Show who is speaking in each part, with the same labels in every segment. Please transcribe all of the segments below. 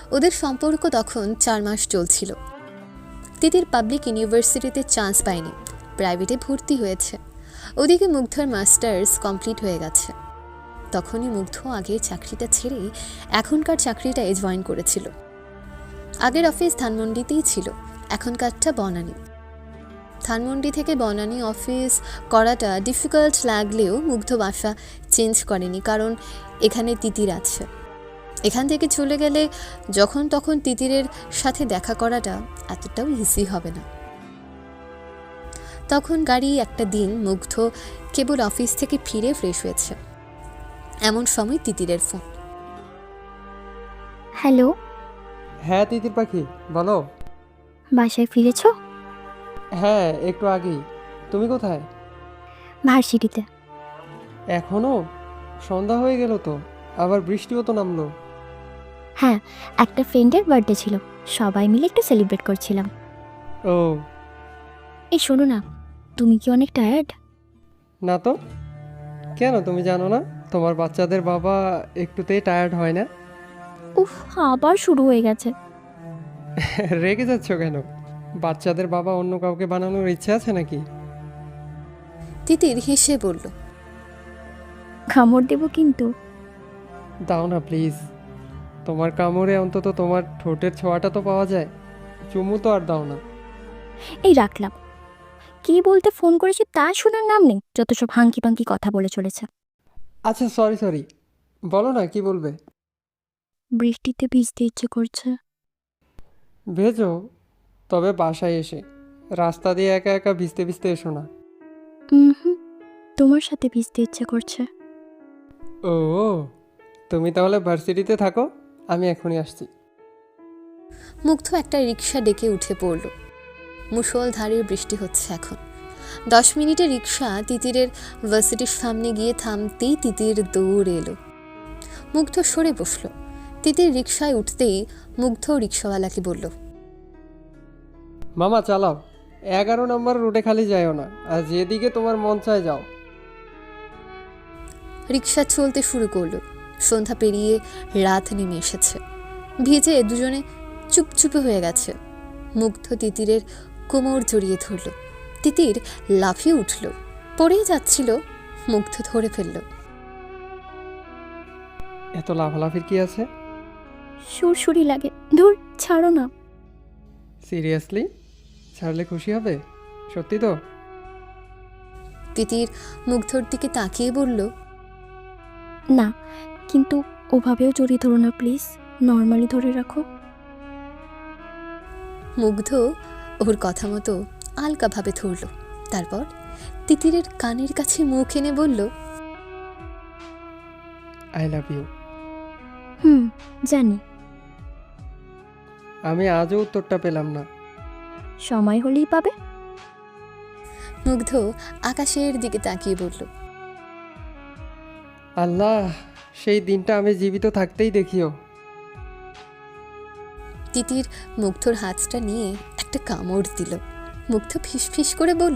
Speaker 1: ওদের সম্পর্ক তখন 4 মাস চলছিল। তিতির পাবলিক ইউনিভার্সিটিতে চান্স পায়নি, প্রাইভেটে ভর্তি হয়েছে। ওদিকে মুগ্ধর মাস্টার্স কমপ্লিট হয়ে গেছে। তখনই মুগ্ধ আগের চাকরিটা ছেড়ে এখনকার চাকরিটায় জয়েন করেছিল। আগের অফিস ধানমন্ডিতেই ছিল, এখনকারটা বনানী। ধানমন্ডি থেকে বনানী অফিস করাটা ডিফিকাল্ট লাগলেও মুগ্ধ বাসা চেঞ্জ করেনি, কারণ এখানে তিতির আছে। এখান থেকে চলে গেলে যখন তখন তিতিরের সাথে দেখা করাটা এতটাও ইজি হবে না। তখন গাড়ি একটা দিন মুগ্ধ কেবল অফিস থেকে ফিরে ফ্রেশ হয়েছে, এমন সময় তিতিরের ফোন।
Speaker 2: হ্যালো,
Speaker 3: হ্যাঁ তিতির পাখি, বলো।
Speaker 2: বাসায় ফিরেছো?
Speaker 3: হ্যাঁ, একটু আগেই। তুমি কোথায়?
Speaker 2: ভার্সিটিতে।
Speaker 3: এখনো? সন্ধ্যা হয়ে গেল তো, আবার বৃষ্টিও তো নামলো।
Speaker 2: হ্যাঁ, একটা ফ্রেন্ডের বার্থডে ছিল, সবাই মিলে একটু সেলিব্রেট করছিলাম।
Speaker 3: ও
Speaker 2: এই শোনো না, তুমি কি অনেক টায়ার্ড?
Speaker 3: না তো, কেন তুমি জানো না তোমার বাচ্চাদের বাবা একটুতেই টায়ার্ড হয় না?
Speaker 2: উফ, আবার শুরু হয়ে গেছে।
Speaker 3: রেগে যাচ্ছ কেন? বাচ্চাদের বাবা অন্য কাউকে বানানোর ইচ্ছে আছে নাকি?
Speaker 1: তিতির হেসে বলল,
Speaker 2: কামড় দেবো কিন্তু।
Speaker 3: দাও না প্লিজ, তোমার কামড়ে অন্তত তোমার ঠোঁটের ছোঁয়াটা তো পাওয়া যায়। চুমু তো আর দাও না।
Speaker 2: এই রাখলাম। কি বলতে ফোন করেছি তা শোনার নাম নেই, যত সব হাঙ্কি পাঙ্কি কথা বলে চলেছে।
Speaker 3: আচ্ছা সরি সরি, বলো না কি বলবে।
Speaker 2: বৃষ্টিতে ভিজতে ইচ্ছে করছে।
Speaker 3: ভেজো, তবে বাসায় এসে। রাস্তা দিয়ে একা একা ভিজতে ভিজতে এসো না।
Speaker 2: হুম, তোমার সাথে ভিজতে ইচ্ছে করছে।
Speaker 3: ও, তুমি তাহলে ভার্সিটিতে থাকো, আমি এখনই আসছি।
Speaker 1: মুগ্ধ একটা রিক্সা ডেকে উঠে পড়ল। মুষলধারে বৃষ্টি হচ্ছে এখন। 10 মিনিটে রিক্সা তিতিরের ভার্সিটির সামনে গিয়ে থামতেই তিতির দৌড় এলো। মুগ্ধ সরে বসল। তিতির রিক্সায় উঠতেই মুগ্ধ রিক্সাওয়ালাকে বলল,
Speaker 3: মামা চালাও, 11 নম্বর রুটে খালি যাইও না, আর যেদিকে তোমার মন চায় যাও।
Speaker 1: রিক্সা চলতে শুরু করলো। সন্ধ্যা পেরিয়ে রাত নেমে এসেছে। ভিজে দুজনে চুপচুপে হয়ে গেছে। মুগ্ধ তিতিরের কোমর জড়িয়ে ধরল। তিতির লাফিয়ে উঠল, পড়েই যাচ্ছিল। মুগ্ধ ধরে ফেলল।
Speaker 3: এত লাফালাফির কি আছে?
Speaker 2: সুরসুরি লাগে, ধুর ছাড়ো না।
Speaker 3: সিরিয়াসলি? ছাড়লে খুশি হবে? সত্যি তো?
Speaker 1: তিতির মুগ্ধর দিকে তাকিয়ে বলল,
Speaker 2: না, কিন্তু ওভাবেও জড়িয়ে ধরো না প্লিজ, নর্মালি ধরে রাখো।
Speaker 1: মুগ্ধ ওর কথা মতো আলকাভাবে ধরল। তারপর তিতিরের কানের কাছে মুখ এনে বলল,
Speaker 3: আই লাভ ইউ।
Speaker 2: জানি।
Speaker 3: আমি আজও উত্তরটা পেলাম না।
Speaker 2: সময় হলেই পাবে।
Speaker 1: মুগ্ধ আকাশের দিকে তাকিয়ে বলল,
Speaker 3: আল্লাহ, সেই দিনটা আমি জীবিত থাকতেই দেখিও।
Speaker 1: তিতির মুগ্ধর হাতটা নিয়ে একটা কামড় দিল। মুগ্ধ ফিসফিস করে বলল,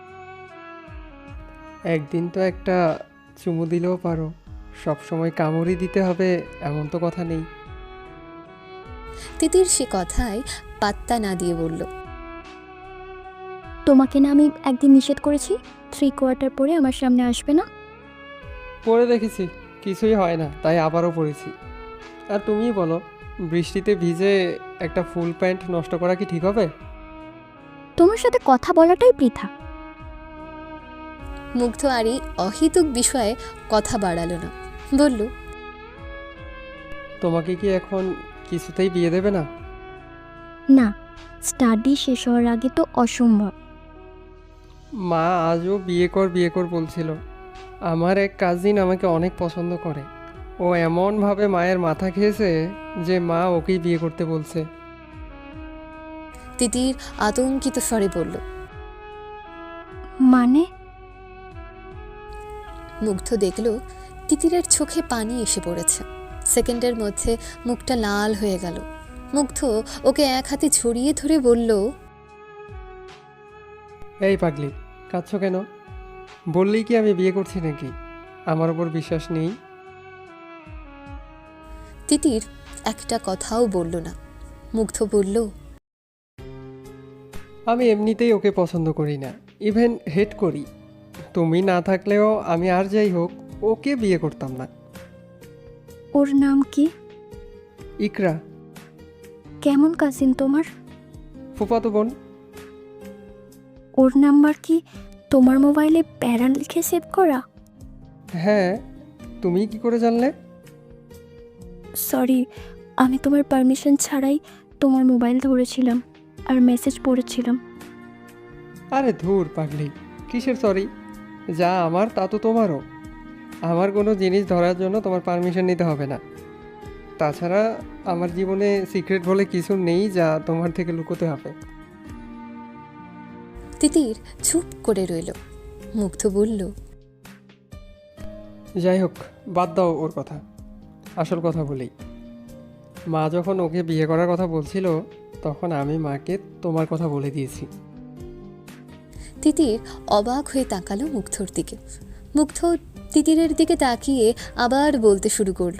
Speaker 3: একদিন তো একটা চুমু দিলেও পারো, সব সময় কামড়ই দিতে হবে এমন তো কথা নেই।
Speaker 1: তিতির সে কথায় পাত্তা না দিয়ে বলল,
Speaker 2: তোমাকে না আমি একদিন নিষেধ করেছি 3/4 পরে আমার সামনে আসবে না?
Speaker 3: পরে দেখেছি কিছুই হয় না, তাই আবারও পড়েছি। আর তুমিই বলো, বৃষ্টিতে ভিজে একটা ফুল প্যান্ট নষ্ট করা কি ঠিক হবে?
Speaker 2: তোমার সাথে কথা বলাটাই বৃথা।
Speaker 1: মুগ্ধ আর এই অহেতুক বিষয়ে কথা বাড়ালো না, বলল,
Speaker 3: তোমাকে কি এখন কিছুতেই বিয়ে দেবে না?
Speaker 2: না, স্টাডি শেষ হওয়ার আগে তো অসম্ভব।
Speaker 3: মা আজও বিয়ে কর বলছিল। আমার এক কাজিন আমাকে অনেক পছন্দ করে। ও এমনভাবে মায়ের মাথা খেয়েছে যে মা ওকেই বিয়ে করতে বলছে।
Speaker 1: তিতির আতঙ্কিত স্বরে বলল।
Speaker 2: মানে?
Speaker 1: মুগ্ধ দেখল তিতিরের চোখে পানি এসে পড়েছে। সেকেন্ডের মধ্যে মুখটা লাল হয়ে গেল। মুগ্ধ ওকে এক হাতে ছড়িয়ে ধরে বলল,
Speaker 3: এই পাগলি, কাঁদছ কেন? বললেই কি আমি বিয়ে করছি নাকি? আমার ওপর বিশ্বাস নেই?
Speaker 1: তিতির একটা কথাও বলল না। মুগ্ধ বলল,
Speaker 3: আমি এমনিতেই ওকে পছন্দ করি না, ইভেন হেট করি। তুমি না থাকলেও আমি আর যাই হোক ওকে বিয়ে করতাম না।
Speaker 2: ওর নাম কি?
Speaker 3: ইকরা।
Speaker 2: কেমন কাজিন তোমার?
Speaker 3: ফুফাতো বোন।
Speaker 2: ওর নাম্বার কি তোমার মোবাইলে প্যারা লিখে সেভ করা?
Speaker 3: হ্যাঁ, তুমি কি করে জানলে?
Speaker 2: সরি, আমি তোমার পারমিশন ছাড়াই তোমার মোবাইল ধরেছিলাম আর মেসেজ পড়েছিলাম।
Speaker 3: আরে ধুর পাগলি, কিসের সরি? যা আমার তা তো তোমারও। আমার কোনো জিনিস ধরার জন্য তোমার পারমিশন নিতে হবে না। তাছাড়া আমার জীবনে সিক্রেট বলে কিছু নেই যা তোমার থেকে লুকোতে হবে।
Speaker 1: তিতির চুপ করে রইল। মুগ্ধ বলল,
Speaker 3: যাই হোক, বাদ দাও ওর কথা। আসল কথা বলি, মা যখন ওকে বিয়ে করার কথা বলছিল তখন আমি মাকে তোমার কথা বলে দিয়েছি।
Speaker 1: তিতির অবাক হয়ে তাকালো মুগ্ধর দিকে। মুগ্ধ তিতিরের দিকে তাকিয়ে আবার বলতে শুরু করলো।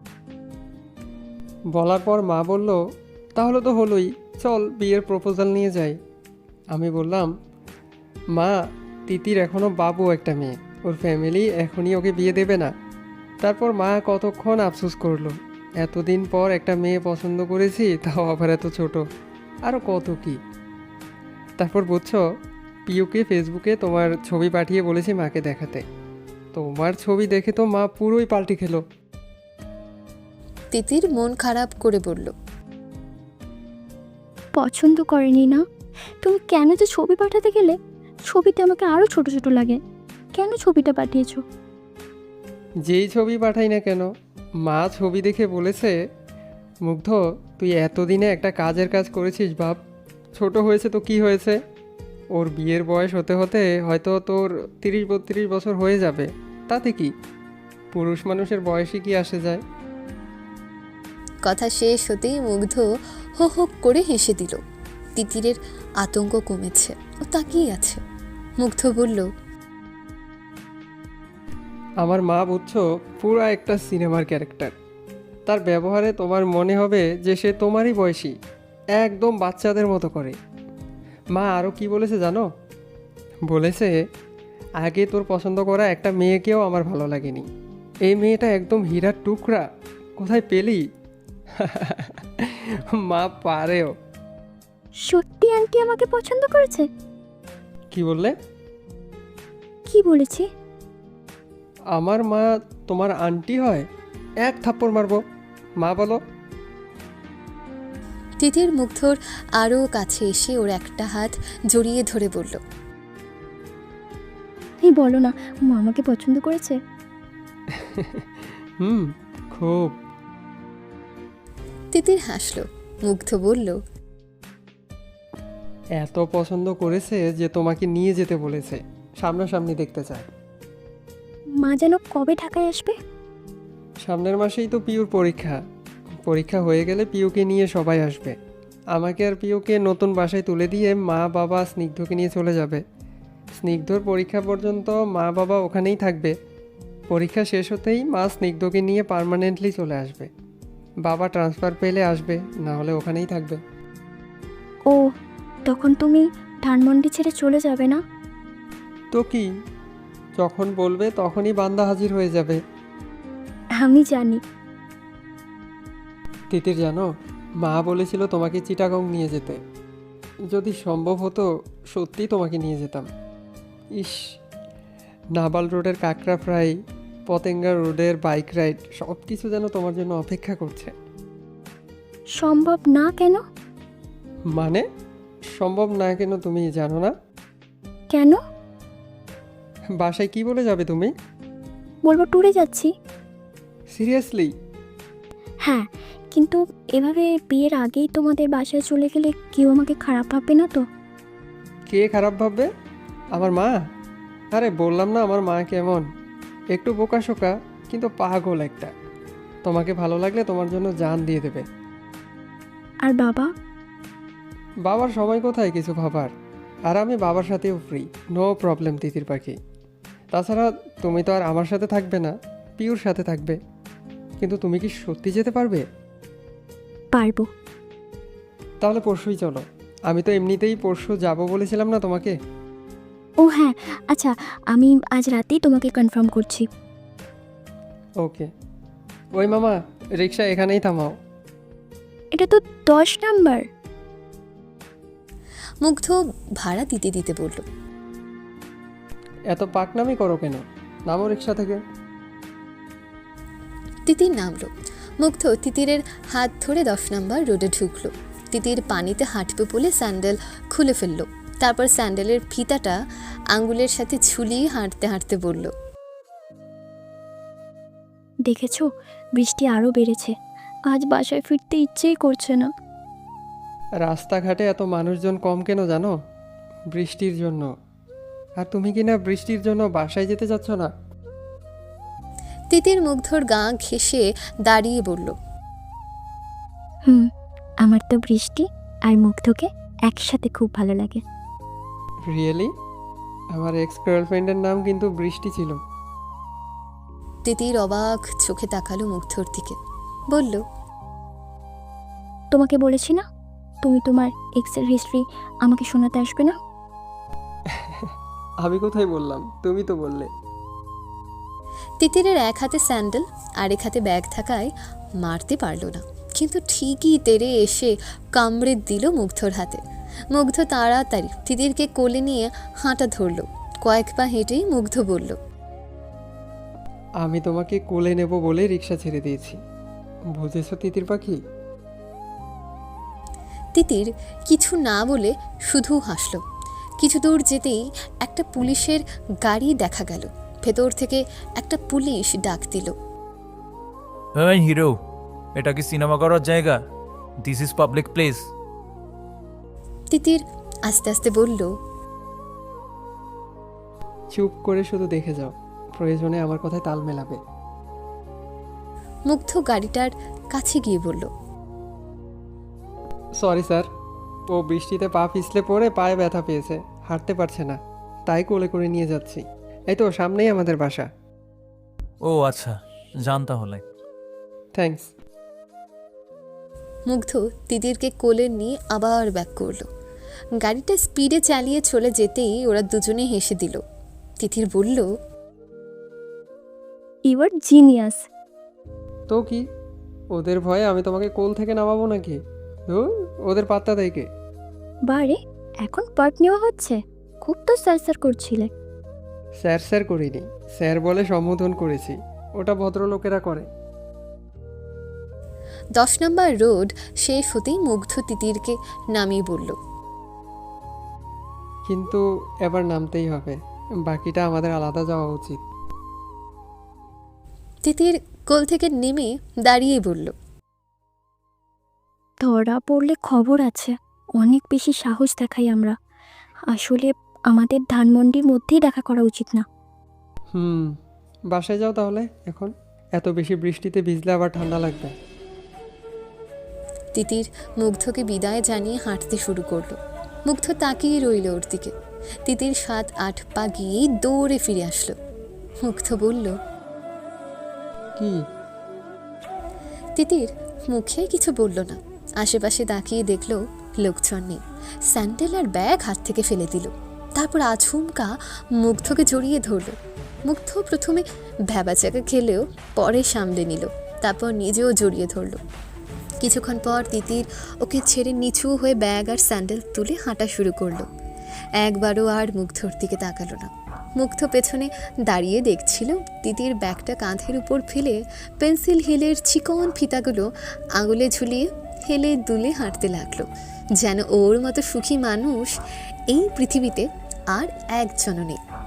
Speaker 3: বলার পর মা বলল, তাহলে তো হলোই, চল বিয়ের প্রপোজাল নিয়ে যাই। আমি বললাম, মা, তিতির এখনও বাবু একটা মেয়ে, ওর ফ্যামিলি এখনই ওকে বিয়ে দেবে না। তারপর মা কতক্ষণ আফসোস করলো, এতদিন পর একটা মেয়ে পছন্দ করেছি, তাও আবার এত ছোট, আরও কত কি। তারপর বুঝছো, পিউকে ফেসবুকে তোমার ছবি পাঠিয়ে বলেছি মাকে দেখাতে। তোমার ছবি দেখে তো মা পুরোই পাল্টি খেলো।
Speaker 1: তিতির মন খারাপ করে বলল,
Speaker 2: পছন্দ করেনি না? তুমি কেন যে ছবি পাঠাতে গেলে? ছবিতে আমাকে আরও ছোট ছোট লাগে। কেন ছবিটা পাঠিয়েছো?
Speaker 3: যেই ছবি পাঠাই না কেন, মা ছবি দেখে বলেছে, মুগ্ধ, তুই এতদিনে একটা কাজের কাজ করেছিস বাপ। ছোট হয়েছে তো কি হয়েছে, ওর বিয়ের বয়স হতে হতে হয়তো তোর 30-32 বছর হয়ে যাবে, তাতে কি? পুরুষ মানুষের বয়সই কি আসে যায়?
Speaker 1: কথা শেষ হতেই মুগ্ধ হো হো করে হেসে দিল। তিতিরের আতঙ্ক কমেছে, ও তাকিয়ে আছে। মুগ্ধ বলল,
Speaker 3: আমার মা বুঝছো পুরো একটা সিনেমার ক্যারেক্টার। তার ব্যবহারে তোমার মনে হবে যে সে তোমারই বয়সী, একদম বাচ্চাদের মতো করে। মা আরও কি বলেছে জানো? বলেছে, আগে তোর পছন্দ করা একটা মেয়েকেও আমার ভালো লাগেনি, এই মেয়েটা একদম হীরার টুকরা, কোথায় পেলি? মা পারেও।
Speaker 2: সত্যি আন্টি আমাকে পছন্দ করেছে?
Speaker 3: কি বললে?
Speaker 2: কি বলেছি?
Speaker 3: আমার মা তোমার আন্টি হয়? এক থাপ্পড় মারবো। মা বলো।
Speaker 1: তিতির মুগ্ধর আরও কাছে এসে ওর একটা হাত জড়িয়ে ধরে বলল,
Speaker 2: এই বলো না, মা আমাকে পছন্দ করেছে?
Speaker 3: খুব।
Speaker 1: তিতির হাসল। মুগ্ধ বলল,
Speaker 3: এত পছন্দ করেছে যে তোমাকে নিয়ে যেতে বলেছে, সামনাসামনি দেখতে চায়।
Speaker 2: মা যেন কবে ঢাকায় আসবে?
Speaker 3: সামনের মাসেই তো পিউর পরীক্ষা। পরীক্ষা হয়ে গেলে পিউকে নিয়ে সবাই আসবে। আমাকে আর পিউকে নতুন বাসায় তুলে দিয়ে মা বাবা স্নিগ্ধকে নিয়ে চলে যাবে। স্নিগ্ধর পরীক্ষা পর্যন্ত মা বাবা ওখানেই থাকবে। পরীক্ষা শেষ হতেই মা স্নিগ্ধকে নিয়ে পার্মানেন্টলি চলে আসবে। বাবা ট্রান্সফার পেলে আসবে, না হলে ওখানেই থাকবে।
Speaker 2: ও, তখন তুমি ধানমন্ডি ছেড়ে চলে যাবে না?
Speaker 3: তো কি, যখন বলবে তখনই বান্দা হাজির হয়ে যাবে।
Speaker 2: আমি জানি।
Speaker 3: তিতির জানো, মা বলেছিল তোমাকে চিটাগং নিয়ে যেতে। যদি সম্ভব হতো সত্যি তোমাকে নিয়ে যেতাম। ইস, নাবাল রোডের কাঁকড়া ফ্রাই, পতেঙ্গা রোডের বাইক রাইড, সব কিছু যেন তোমার জন্য অপেক্ষা করছে।
Speaker 2: সম্ভব না কেন?
Speaker 3: মানে সম্ভব না কেন তুমি জানো না?
Speaker 2: কেন?
Speaker 3: বাসায় কি বলে যাবে তুমি?
Speaker 2: বলবো ট্যুরে যাচ্ছি।
Speaker 3: সিরিয়াসলি?
Speaker 2: হ্যাঁ, কিন্তু এভাবে বিয়ের আগেই তোমাদের বাসায় চলে গেলে কেউ আমাকে খারাপ ভাববে না তো?
Speaker 3: কে খারাপ ভাববে? আমার মা? আরে বললাম না আমার মা কেমন, একটু বোকাশোকা কিন্তু পাগল একটা। তোমাকে ভালো লাগলে তোমার জন্য জান দিয়ে দেবে।
Speaker 2: আর বাবা?
Speaker 3: বাবার সময় কোথায় কিছু ভাবার, আর আমি বাবার সাথেও ফ্রি, নো প্রবলেম তিতির পাখি। তাছাড়া তুমি তো আর আমার সাথে থাকবে না, পিউর সাথে থাকবে। কিন্তু তুমি কি সত্যি যেতে পারবে?
Speaker 2: পারবো।
Speaker 3: তাহলে পরশুই চলো। আমি তো এমনিতেই পরশু যাব বলেছিলাম না তোমাকে।
Speaker 2: ও হ্যাঁ, আচ্ছা, আমি আজ রাতেই তোমাকে কনফার্ম করছি।
Speaker 3: ওকে। ওই মামা, রিক্সা এখানেই থামাও।
Speaker 2: এটা তো 10 নাম্বার।
Speaker 1: মুগ্ধ ভাড়া দিতে দিতে বলল।
Speaker 3: এত পাকনামি করো কেন? নামো রিক্সা থেকে।
Speaker 1: তিতির নামলো। মুগ্ধ তিতিরের হাত ধরে 10 নম্বর রোডে ঢুকলো। তিতির পানিতে হাঁটবে বলে স্যান্ডেল খুলে ফেললো। তারপর স্যান্ডেলের ফিতাটা আঙ্গুলের সাথে ঝুলিয়ে হাঁটতে হাঁটতে বলল,
Speaker 2: দেখেছো, বৃষ্টি আরও বেড়েছে। আজ বাসায় ফিরতে ইচ্ছেই করছে না।
Speaker 3: রাস্তাঘাটে এত মানুষজন কম কেন জানো? বৃষ্টির জন্য। আর তুমি কি না বৃষ্টির জন্য বাসায় যেতে চাচ্ছ না?
Speaker 1: তিতির মুগ্ধর গা ঘেঁষে দাঁড়িয়ে বলল,
Speaker 2: আমার তো বৃষ্টি আর মুগ্ধকে একসাথে খুব ভালো লাগে।
Speaker 3: রিয়েলি? আমার এক্স গার্লফ্রেন্ডের নাম কিন্তু বৃষ্টি ছিল।
Speaker 1: তিতির অবাক চোখে তাকালো মুগ্ধর দিকে, বলল,
Speaker 2: তোমাকে বলেছি না, তুমি তোমার এক্সের হিস্ট্রি আমাকে শোনাতে আসবে না।
Speaker 3: আমি কোথায় বললাম? তুমি তো বললে।
Speaker 1: তিতিরের এক হাতে স্যান্ডেল আর এক হাতে ব্যাগ থাকায় মারতে পারল না, কিন্তু ঠিকই তেড়ে এসে কামড়ে দিল মুগ্ধর হাতে। মুগ্ধ তাড়াতাড়ি তিতিরকে কোলে নিয়ে হাঁটা ধরল। কয়েক পা হেঁটেই মুগ্ধ বলল,
Speaker 3: আমি তোমাকে কোলে নেব বলে রিক্সা ছেড়ে দিয়েছি, বুঝেছো তিতির পাখি?
Speaker 1: তিতির কিছু না বলে শুধু হাসল। কিছু দূর যেতেই একটা পুলিশের গাড়ি দেখা গেল। ভেতর থেকে একটা পুলিশ ডাক দিল,
Speaker 4: হ্যাঁ হিরো, এটা কি সিনেমা করার জায়গা? This is public place.
Speaker 1: Titir আস্তে আস্তে বলল,
Speaker 3: চুপ করে শুধু দেখে যাও, প্রয়োজনে আমার কথায় তাল মেলাবে।
Speaker 1: মুগ্ধ গাড়িটার কাছে গিয়ে বলল,
Speaker 3: সরি স্যার, ও বৃষ্টিতে পা পিছলে পড়ে পায়ে ব্যথা পেয়েছে, হাঁটতে পারছে না, তাই কোলে করে নিয়ে যাচ্ছি। এই তো সামনেই আমাদের বাসা।
Speaker 4: ও আচ্ছা, যান তাহলে।
Speaker 3: থ্যাঙ্কস।
Speaker 1: মুগ্ধ তিতিরকে কোলে নিয়ে আবার ব্যাক করলো। গাড়িটা স্পিডে চালিয়ে চলে যেতেই ওরা দুজনে হেসে দিল। তিতির বলল,
Speaker 2: ইউ আর জিনিয়াস।
Speaker 3: তো কি, ওদের ভয়ে আমি তোমাকে কোল থেকে নামাবো নাকি? ধুর, ওদের পাত্তা দেয় কে?
Speaker 2: বারে, এখন পার্ট নেওয়া হচ্ছে? খুব তো স্যার করছিলে।
Speaker 3: স্যার স্যার করিনি, স্যার বলে সম্বোধন করেছি, ওটা ভদ্রলোকেরা করে।
Speaker 1: 10 নম্বর রোড শেষ হতেই মুগ্ধ তিতিরকে নামিয়ে বলল,
Speaker 3: কিন্তু এবার নামতেই হবে, বাকিটা আমাদের আলাদা যাওয়া উচিত।
Speaker 1: তিতির কোল থেকে নেমে দাঁড়িয়েই বলল,
Speaker 2: ধরা পড়লে খবর আছে। অনেক বেশি সাহস দেখাই আমরা। আসলে আমাদের ধানমন্ডির মধ্যেই দেখা করা উচিত না।
Speaker 3: বাসায় যাও তাহলে এখন, এত বেশি বৃষ্টিতে ভিজলে আবার ঠান্ডা লাগবে।
Speaker 1: তিতির মুগ্ধকে বিদায় জানিয়ে হাঁটতে শুরু করলো। মুগ্ধ তাকিয়ে রইল ওর দিকে। তিতির 7-8 পা গিয়েই দৌড়ে ফিরে আসলো। মুগ্ধ বলল,
Speaker 3: কি?
Speaker 1: তিতির মুখে কিছু বলল না। আশেপাশে তাকিয়ে দেখলো লোকজন নেই। স্যান্ডেল আর ব্যাগ হাত থেকে ফেলে দিল। তারপর আচমকা মুগ্ধকে জড়িয়ে ধরল। মুগ্ধ প্রথমে ভ্যাবাচাকা খেলেও পরে সামলে নিল। তারপর নিজেও জড়িয়ে ধরল। কিছুক্ষণ পর তিতির ওকে ছেড়ে নিচু হয়ে ব্যাগ আর স্যান্ডেল তুলে হাঁটা শুরু করলো। একবারও আর মুগ্ধর দিকে তাকালো না। মুগ্ধ পেছনে দাঁড়িয়ে দেখছিল তিতির ব্যাগটা কাঁধের উপর ফেলে পেন্সিল হিলের চিকন ফিতাগুলো আঙুলে ঝুলিয়ে হেলে দুলে হাঁটতে লাগলো, যেন ওর মতো সুখী মানুষ এই পৃথিবীতে আর একজনও নেই।